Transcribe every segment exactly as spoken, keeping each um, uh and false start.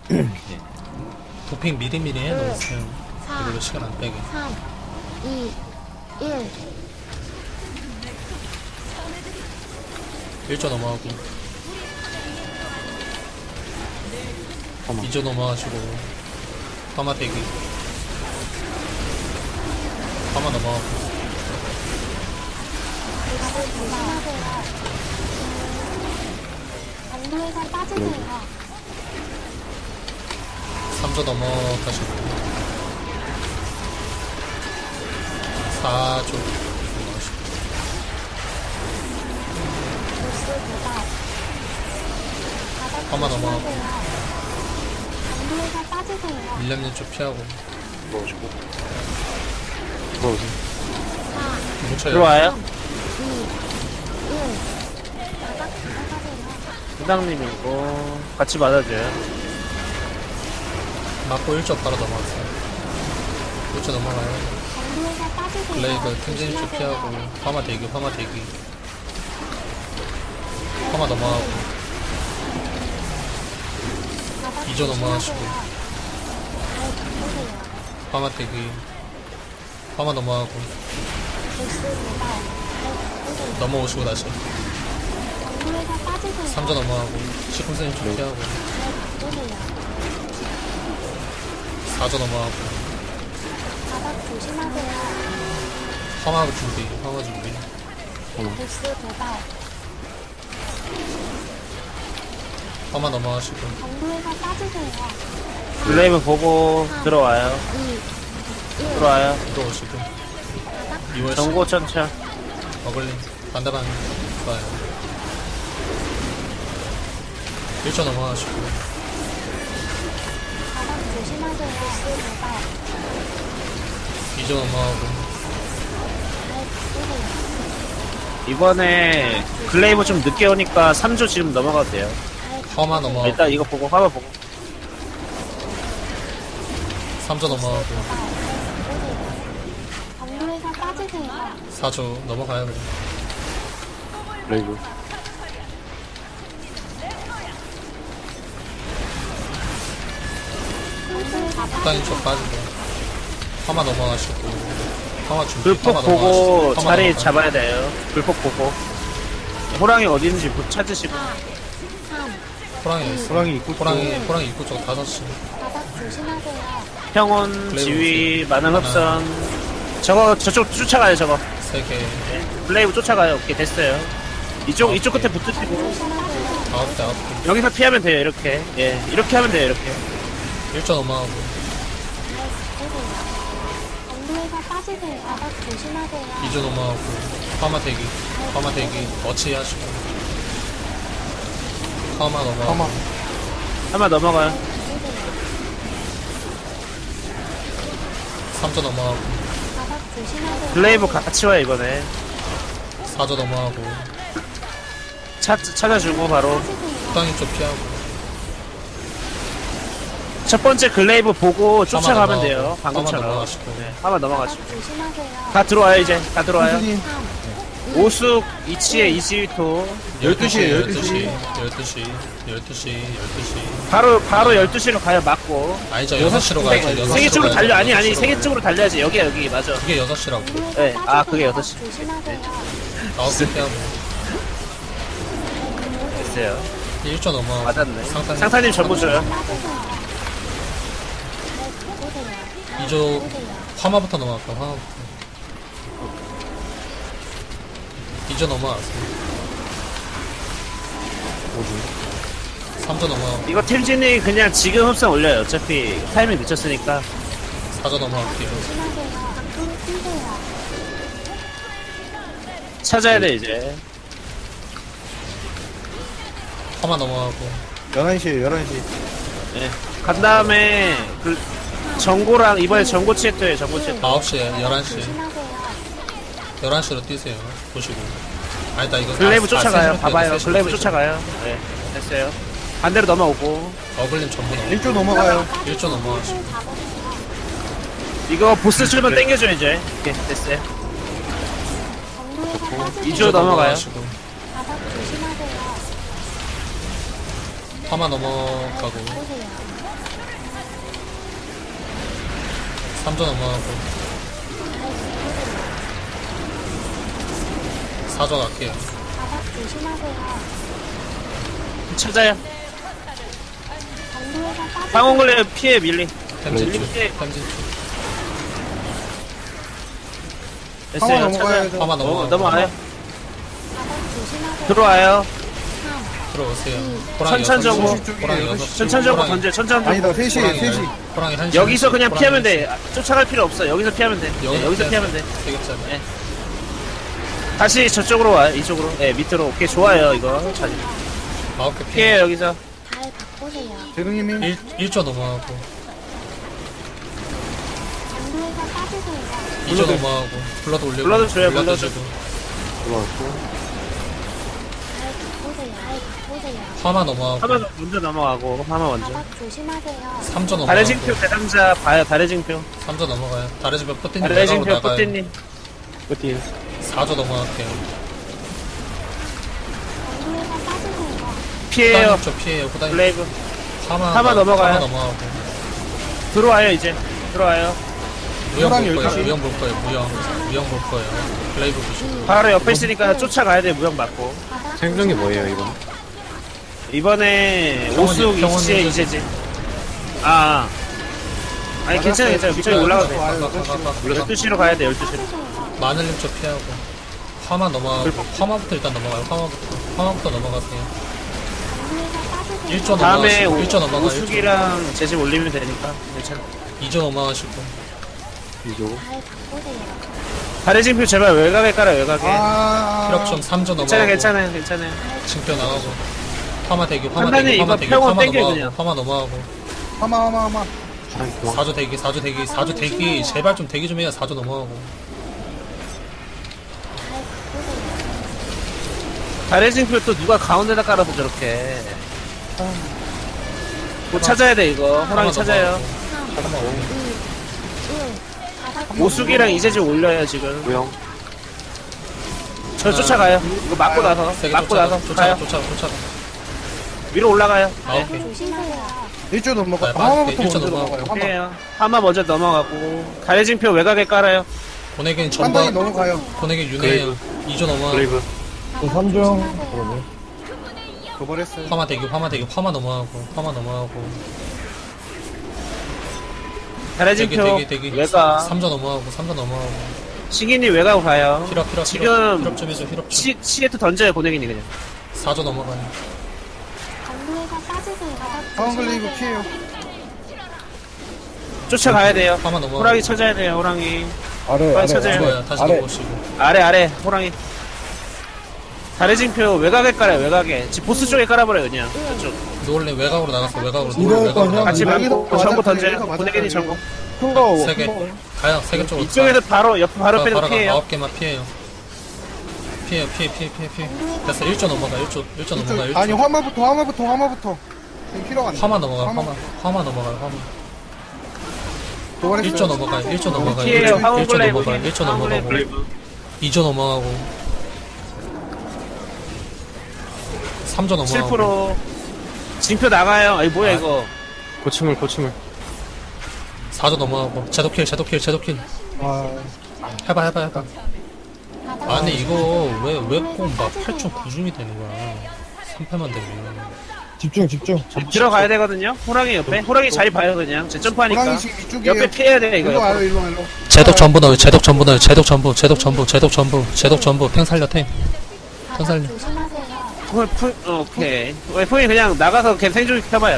도핑 미리미리 해놓으세요. 그리고 시간 안 빼게. 삼, 이, 일. 일 조 넘어가고 이 조 넘어가시고 파마 대기 파마 넘어가고 다들 조심하세요. 반도에서 빠지세요. 삼 조 넘어가시고 사 조 넘어가시고 보스 도발. 바닥 파마 넘어가고 조심하세요. 반도에서 빠지세요. 밀렵님 쪽 피하고 들어오시고. 들어오세요. 사, 뭉쳐요. 들어와요. 이, 일. 바닥 들어가세요. 부장님이고 같이 맞아줘요. 맞고 일 조 바로 넘어갔어요. 일 조 넘어가요. 반도에서 빠지세요. 블레이드 팀진님 쪽 조심하세요. 피하고 파마 대기 파마 대기 파마 넘어가고 바닥 이 조 넘어가시고 조심하세요. 잘 바꾸세요. 파마 대기 파마 넘어가고 보스 도발. 잘 바꾸세요. 넘어오시고 다시 반도에서 빠지세요. 삼 조 넘어가고 시콘스님 쪽 피하고 잘 바꾸세요. 사 조 넘어가고 바닥 조심하세요. 파마 준비 파마 준비 보스 도발. 파마 넘어가시고 반도에서 빠지세요. 블레이브 보고 들어와요. 이, 일. 들어와요. 들어오시고 바닥 이월 전고 천천. 어글림 반대방 좋아요 일 조 넘어가시고 바닥 조심하세요. 보스 도발. 이 조 넘어가고 잘 바꾸세요. 이번에 글레이브 좀 늦게 오니까 삼 조 지금 넘어가도 돼요. 파마 넘어가고 일단 이거 보고 화면 보고. 삼 조 넘어가고 도발. 잘 바꾸세요. 반도에서 빠지세요. 사 조 넘어가요 그냥 레이브. 반도에서 후단인 쪽 빠지고 파마 넘어가시고 파마 준비 불폭 파마 보고 넘어가시고 파마 자리 넘어가요. 잡아야 돼요. 불폭 보고. 호랑이 어디 있는지 보- 찾으시고. 사, 삼. 호랑이 있어 호랑이 입구 호랑이 호랑이 입구 쪽 다섯 시 바닥 조심하세요. 평온, 블레이브 지휘, 보세요. 만능 흡선. 저거 저쪽 쫓아가요 저거. 세 개 블레이브 쫓아가요. 오케이 됐어요. 이쪽 아, 이쪽 끝에 오케이. 붙으시고 조심하세요. 아홉 대 아홉 대 여기서 피하면 돼요 이렇게. 예 이렇게 하면 돼요 이렇게. 일 조 넘어가고 잘 바꾸세요. 반도에서 빠지세요. 바닥 조심하세요. 이 조 넘어가고 파마 대기 파마 대기 어치 하시고 파마 넘어가고 파마. 한번 넘어가요. 삼 조 넘어가고 바닥 조심하세요. 블레이브 같이 와요 이번에. 사 조 넘어가고 찾 찾아주고 바로 빠지세요. 후단인 쪽 피하고 첫 번째 글레이브 보고 쫓아가면 넘어가고, 돼요. 파마 방금처럼. 넘어가시고. 네, 한번 넘어가시고. 바닥 조심하세요. 다 들어와요 이제. 다 들어와요. 선생님. 삼, 오숙 이치에 이지위토. 열두 시에 열두 열두 시 시. 열두 시 열두 시 열두 시 바로 바로 열두 시로 가요 맞고. 아니죠 여섯 시로 가야죠 여섯 세계 시로 쪽으로 가야죠. 달려. 아니 여섯 아니 시로 세계 가야죠. 쪽으로 달려야지. 여기야 여기 맞아. 그게 여섯 시라고 반도에서 네, 아, 빠지세요. 그게 여섯 시. 바닥 조심하세요. 아홉 대 피하고 됐어요. 일 조 넘어가고 맞았네. 상탄 상사님 전부 줘요. 빠지세요. 잘 바꾸세요. 이 조 화마부터 넘어갈까 화마부터 이 조 넘어갔어요 삼 조 넘어가고 이거 템진이 그냥 지금 흡선 올려요. 어차피 타이밍 늦췄으니까. 사 조 넘어갈게요 조심하세요. 밖으로 뛰세요. 찾아야 돼 이제. 화마 넘어가고 열한 시에 열한 시. 네. 간 다음에 그 정고랑 이번에 정고 치에토예요. 정고 치에토. 아홉 시에 열한 시 조심하세요. 열한 시로 뛰세요 보시고 아니다 이거 글레이브 아, 쫓아가요. 아, 봐봐요. 세 시로, 글레이브 세 시로. 쫓아가요. 네. 됐어요. 반대로 넘어오고. 어글림 전부 넘어 일 조 넘어가요. 일 조 넘어가시고 을 잡으세요. 이거 보스 출번 땡겨줘 이제. 오케이 됐어요. 반도에서 빠지세요. 이 조 넘어가요. 넘어가시고 바닥 조심하세요. 화마 넘어가고 보세요. 삼 조 넘어가고 사 조 갈게요. 바닥 조심하세요. 찾아요. 경로에서 빠지세요. 방어글레 피해 밀리. 템진 밀리 쪽 피해. 템진 쪽 화마 됐어요. 넘어가야 찾아요. 돼. 화마 어, 넘어가고 넘어와요. 바닥 조심하세요. 들어와요. 삼, 들어오세요. 음. 호랑이 천천적으로. 여섯 시, 호랑이 여섯 시, 천천적으로 호랑이- 던져. 천천적으로. 아니다, 셋이, 호랑이 셋이. 열- 호랑이 한 시, 여기서 한 시, 그냥 호랑이 피하면 한 시. 돼. 아, 쫓아갈 필요 없어. 여기서 피하면 돼. 네, 여기서 피하면 돼. 되겠잖아. 네. 다시 저쪽으로 와요. 이쪽으로. 네, 밑으로. 오케이, 좋아요. 이거. 자, 아홉 개 피해. 피해요, 여기서. 달 바꾸세요. 제동님이 일 조 넘어가고 경로에서 빠지세요. 이 조 넘어가고 블러드 올리고 블러드 줘요, 블러드 블러드. 주고 들어왔고. 달 바꾸세요. 달 바꾸세요. 화마 넘어가고 화마 먼저 넘어가고. 화마 먼저. 바닥 조심하세요. 삼 조 달의 넘어가고 징표 대상자 봐요. 달의 징표. 삼 조 넘어가요. 다른 집에 뿌띠님 달의 외곽으로 징표 나가요. 뿌띠님. 어디? 사 조 넘어갈게요. 경로에서 빠지세요. 피해요. 후다님 쪽 피해요. 후다님 블레이브. 화마 화마 넘어가요. 화마 넘어가고 들어와요, 이제. 들어와요. 무형 호랑이 볼 거예요. 열두 시. 무형 볼 거예요. 무형 무형 볼 거예요. 블레이브 보시고 바로 옆에 있으니까 쫓아가야 돼. 무형 맞고. 바닥 생존이 조심하세요. 뭐예요, 이건? 이번에 평원, 오숙 평원 이시에 이제- 이제지. 아. 아니, 괜찮아, 괜찮아. 저기 올라가도 돼. 와요, 열두 시로 가야 돼, 열두 시로. 빠지세요. 마늘님 쪽 피하고 화마 넘어가고 화마부터 일단 넘어가요. 화마부터 화마부터 넘어가세요. 경로에서 빠지세요. 일 조 다음에 넘어가시고 일 조 넘어가 일 조 오숙이랑 제집 올리면 되니까. 괜찮아. 이 조 넘어가시고 이조. 달 바꾸세요. 다리 징표 제발 외곽에 깔아, 외곽에. 아. 힐업 좀 삼 조 괜찮아, 넘어가고 괜찮아요, 괜찮아요. 징표 나가고 화마 대기 화마 판단이 대기 화마 이거 대기 평원 화마 땡겨요, 넘어가고 그냥. 화마 넘어가고 화마, 화마, 화마. 사 조 대기 사 조 대기 사 조 대기 제발 좀 대기 좀 해야 사 조 넘어가고 달 바꾸세요. 다리 징표 또 누가 가운데다 깔아서 저렇게. 뭐 찾아야 돼, 이거. 호랑이 화마 찾아요. 넘어가고. 삼, 이, 일. 바닥 오숙이랑 이제집 올려요, 지금. 무형. 저 쫓아가요. 이거 맞고 나서. 세게 맞고 쫓아가 나서. 쫓아가 가요. 쫓아가 쫓아가 위로 올라가요. 아홉 개 조심하세요. 일 조 넘어가. 네, 화마부터 일 조 먼저 넘어가고. 넘어가요, 화마. 해요. 하마 먼저 넘어가고. 다리 징표 외곽에 깔아요. 보내기는 판단이 전반 넘어가요. 보내기 윤회예요 이 조 넘어가고 삼 조. 도발했어요. 화마 대기 화마 대기 화마 넘어가고 화마 넘어가고 다리 대기 징표 대기 대기 외곽. 삼 조 넘어가고 삼 조 넘어가고 시기니 외곽 가요. 힐업 힐업 지금 힐업 좀 해줘 힐업 좀 시, 시에트 던져요, 고내기니 그냥. 사 조 넘어가요 경로에서 빠지세요. 바닥 상황 걸리고 조심하세요. 피해요. 쫓아가야 돼요. 화마 넘어가고 호랑이 찾아야 돼요, 호랑이. 아래, 빨리 찾아요. 좋아요 다시 아래. 넘어오시고 아래, 아래, 호랑이. 다리 징표 외곽에 깔아요, 외곽에. 지금 보스 쪽에 깔아버려요, 그냥. 저쪽. 노을래 외곽으로 나갔어 외곽으로 이거 노을 외곽으로 그냥 같이 나갔어 여기도 맞고, 전부 맞았어요. 던져요. 여기도 고내기니 맞았어요. 전부. 큰거 세개 가요 세 개 쪽으로 이쪽에서 바로, 옆, 바로 가. 빼서 바로 가 피해요. 아홉 개만 피해요 피해요 피해 피해 피해 피해 됐어 일 조 넘어가 일 조 일 조 넘어가 일 조 아니, 화마부터, 화마부터, 화마부터. 지금 필요가 안 돼. 화마 넘어가 화마 화마 넘어가요 화마 도발했어요. 일 조 넘어가요 일 조 넘어가요 피해요, 일 조 황혼 블레이브. 넘어가요 일 조 황혼 넘어가고 블레이브. 이 조 넘어가고 삼 조 칠 넘어가고 퍼센트. 징표 나가요. 아니, 뭐야, 아. 이거. 고침을, 고침을. 사 조 넘어가고 제도킬 제도킬 제도킬 아, 해봐 해봐 해봐 바닥 아니 이거 왜 왜 꼭 막 팔 점 구 줌이 되는 거야 삼 패만 되면 집중, 집중. 들어가야 되거든요. 호랑이 옆에. 호랑이 자리 봐요, 그냥. 제 점프하니까. 호랑이 지금 이쪽이에요. 옆에 피해야 돼, 이거. 일로 와요, 옆으로. 일로 와, 일로 와. 제독 전부 넣어요 제독 전부 넣어요 제독 전부 제독 전부 제독 전부 제독 전부 탱 살려 탱 바닥 살려. 조심하세요. 푸, 푸, 어, 오케이. 왜 푸이 그냥 나가서 걔 생존 켜봐요.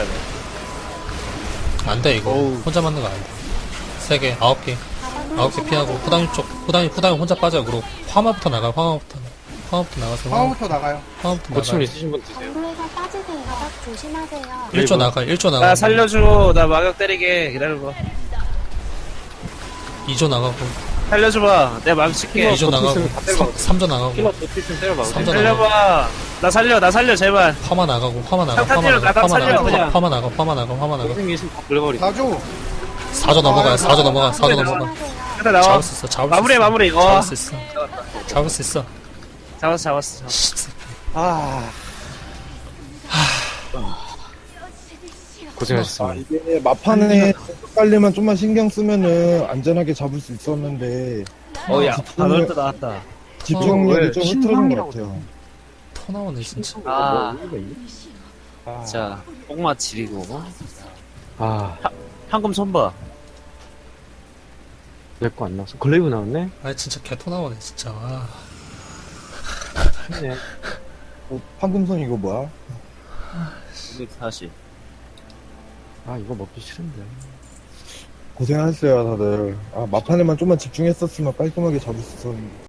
안돼 이거 어우. 혼자 맞는 거 아니다 세 개 아홉 개 아홉 개 피하고 후다니 쪽 후다니 후다니 혼자 빠져요 그리고 화마부터 나가요 화마부터 화마부터 나가서 화마, 화마부터 나가요. 화마부터 나가요 있으신 분 드세요. 경로에서 빠지세요. 바닥 조심하세요. 일 조 나가요 일 조 나 나가고 살려줘. 나 마격 때리게. 기다려봐. 이 조 나가고 살려줘봐. 내가 마격 칠게. 이 조 나가고 삼 조 나가고 버티면 때려봐. 삼 조 나가고 살려봐. 나 살려, 나 살려, 제발. 화마 나가고 화마 나가 상탄 화마 때려, 나가 나가 화마 살려, 나가 그냥. 화마 나가 화마 나가 화마 나가 사 조. 사 조 넘어가요 사 조 넘어가 사 조 넘어가 조심하세요. 일단 나와. 잡을 수 있어 잡을 수 마무리해, 있어 마무리. 어. 잡을 수 있어 잡을 수 있어 잡았어, 잡았어. 잡았어. 씨, 아. 아, 고생하셨습니다. 이게 마판에 빨리만 좀만 신경 쓰면은 안전하게 잡을 수 있었는데 어야 집중력- 바늘도 나왔다. 집중력이 좀 흐트러진 것 신상이라고 같아요. 토 나오네 진짜. 아, 아, 자 뽕맛 지리고 아, 황금 손봐. 내 거 안 나왔어. 글레이브 나왔네? 아 진짜 개토 나오네 진짜. 아, 네. 어, 황금손 이거 뭐야? 이백사십. 아, 이거 먹기 싫은데. 고생하셨어요 다들. 아 마판에만 좀만 집중했었으면 깔끔하게 잡을 수 있었는데.